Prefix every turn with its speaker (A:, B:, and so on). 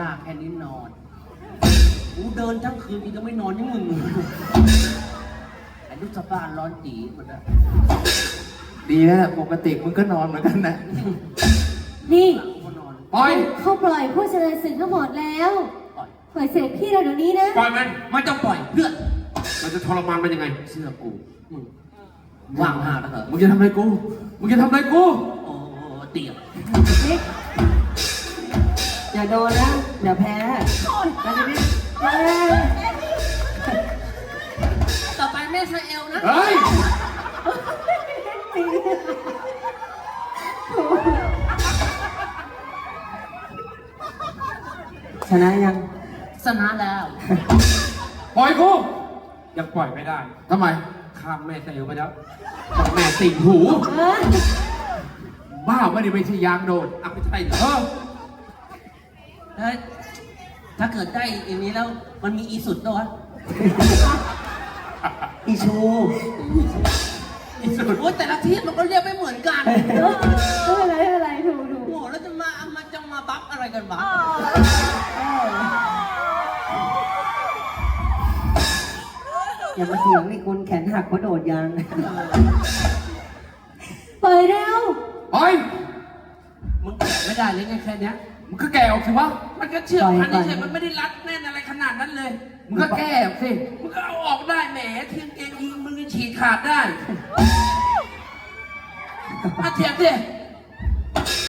A: ลากแค่นี้นอนกูเดินทั้งคืนกูจะไม่นอนยังมึงไอ้ลูกสะบ้านร้อนจีหมดอะ
B: ดีแล้วปกติมึงก็นอนเหมือนกันนะ
C: นี่
A: กูนอน
B: ปล่อย
C: เขาปล่อยผู้เจริญศึกทั้งหมดแล้ว ปล่อยเสด็จพี่เราเดี๋ยวนี้นะ
D: ปล่อยมัน
A: ไม่ต้องปล่อยเพื่อน
D: มันจะทรมานมันยังไง
A: เชื่อกูมึงว่างหาแล้วเหรอ
B: มึงจะทำอะไรกูมึงจะทำอะไรกู
A: โอ้เตี๋ยว
C: อย่าโดนนะเดี๋ยวแพ้แล้วจะไม่
A: ต่อไปแม่ใส่เอลนะ
D: เฮ้ย
C: ชนะยัง
A: ชนะแล้ว
D: ปล่อยกูยังปล่อยไม่ได้
B: ทำไม
D: ข้ามแม่เซลไปแล้วต้องแม่ติ่งหู
B: บ้าไม่ได้ไม่ใช่ยางโดน
D: อ่ะไม่ใช่เหรอ
A: ถ้าเกิดได้อย่างนี้แล้วมันมีอีสุดด้วยวะ
C: อีชู
A: อีสุดโอ้ยแต่ละที่มันก็เรียกไม่เหมือนกัน
C: ไม่เป็นไรถูก
A: โอ้แล้วจะมาบัฟอะไรกันวะ
C: อย่ามาเถียงนี่คุณแขนหักเพราะโดดยางปล่อยเร็ว
B: ปล่อย
A: มึงแกะไม่ได้เลยไงแค่เนี้ย
B: มึงก็แก่ออกสิวะ
A: มันก็เชื่อมพันนี่เฉยมันไม่ได้รัดแน่นอะไรขนาดนั้นเลย
B: มึงก็แก่ออกสิ
A: มึงก็เอาออกได้แหมเทียงเกงยิงมึงฉีกขาดได้อาเทียบดิ